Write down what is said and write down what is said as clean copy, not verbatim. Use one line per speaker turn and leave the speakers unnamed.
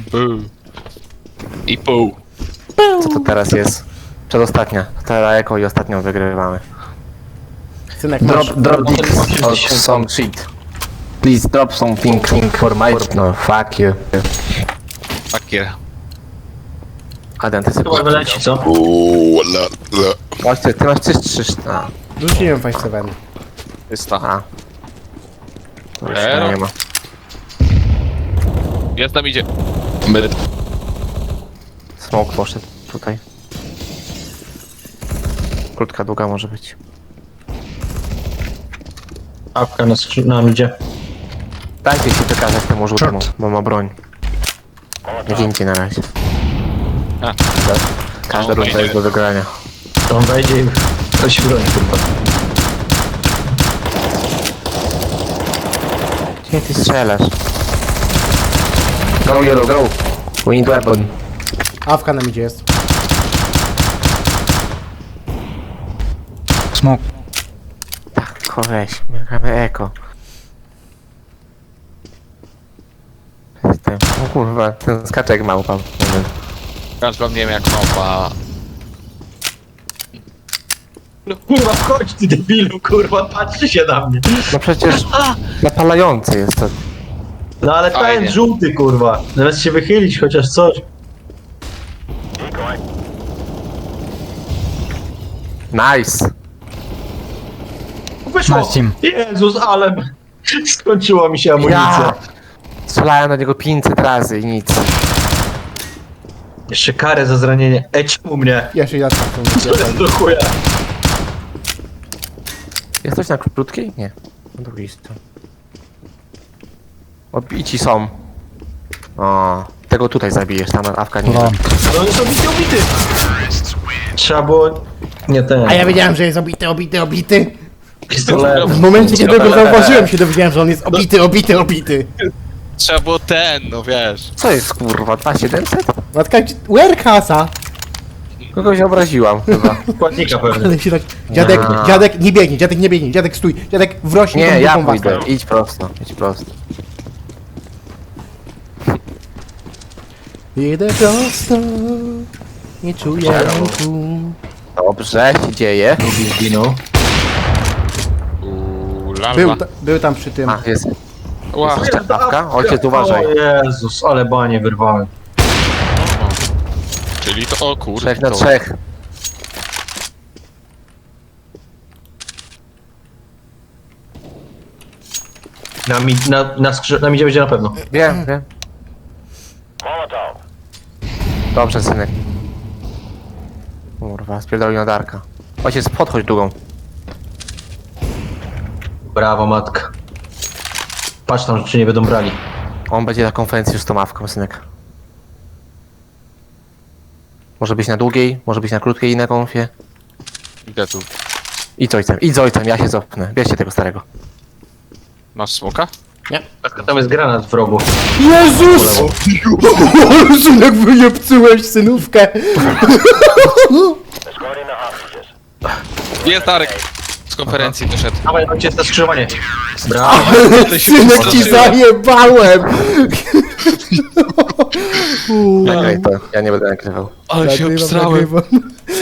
I pół.
Co to teraz jest? Przedostatnia. Teraz jako i ostatnią wygrywamy.
Synek, masz...
Drop this or some shit. Please drop something for my... No, fuck you.
Takie.
Adam, ty sobie...
Chyba wyleci, co?
Właśnie, ty masz 3. A,
Rzuciłem 5-7.
Jest ta.
a. To już
Ero.
nie ma.
Jest tam idzie.
Smoke poszedł tutaj. Krótka, długa może być.
Apka nam idzie.
Dajcie się wykazać temu żółtemu, bo ma broń. Nie gincie na razie.
A.
Każda
No,
runda
wejdzie.
jest do wygrania.
To on wejdzie i ktoś broni tylko.
Gdzie ty strzelasz? Go yellow, go! We need weapon.
Awka nam idzie jest.
Smoke.
Tak, weź, my gramy eko. Jestem. O kurwa, ten skaczek małpa.
Każdy wam nie wiem jak małpa.
No kurwa, wchodź ty debilu, kurwa, patrzy się na mnie.
No przecież napalający jest to.
No ale
Fajnie.
ten żółty, kurwa. Zamiast się wychylić chociaż coś.
Nice!
Wyszło!
Nice team.
Jezus, ale... Skończyła mi się amunicja.
Ja! Strzelałem na niego 500 razy i nic.
Jeszcze karę za zranienie. Czemu mnie?
Ja się jadę w
To jest do chuja.
Jest coś na krótkiej? Nie. Na drugiej stronie. Obici są. O, tego tutaj zabijesz, tam awka nie.
No.
No jest obity. Trzeba było... Nie ten.
A ja wiedziałem, że jest obity.
Pistolet.
W momencie, kiedy go zauważyłem, się dowiedziałem, że on jest obity.
Trzeba było ten, no wiesz.
Co jest kurwa? 2700?
Matka, where kasa?
Kogoś obraziłam chyba.
Składnika pewnie.
Ale się tak... Dziadek,
A.
dziadek, nie biegnie, dziadek stój, dziadek wrośnie
Nie,
tą
ja
dupą
pójdę.
wasę.
Idź prosto, idź prosto.
Idę prosto, nie czuję ręku.
Dobrze, się dzieje.
Zginął.
Lalba.
Był tam przy tym.
A, jest.
Ła.
Jeszcze awka? Ojciec, uważaj.
O Jezus, ale banie wyrwałem.
Czyli to, o kurde.
3 na
to-
3.
Na midzie będzie na pewno.
Wiem, wiem. Dobrze, synek. Kurwa, spierdolił na Darka. Ojciec, podchodź długą.
Brawo, matka. Patrz tam, czy nie będą brali.
On będzie na konferencji już z tą awką, synek. Może być na długiej, może być na krótkiej i na konfie.
Idę tu.
Idź z ojcem, ja się cofnę. Bierzcie tego starego.
Masz smoka?
Tam jest granat w rogu.
Jezus! Synek, wyjebcyłeś synówkę!
Jest Darek. Z konferencji wyszedł.
Dawaj, ojciec, na skrzyżowanie. Brawo.
Synek, ci zajebałem!
Nagraj to, ja nie będę nagrywał.
Ale się obstrałem.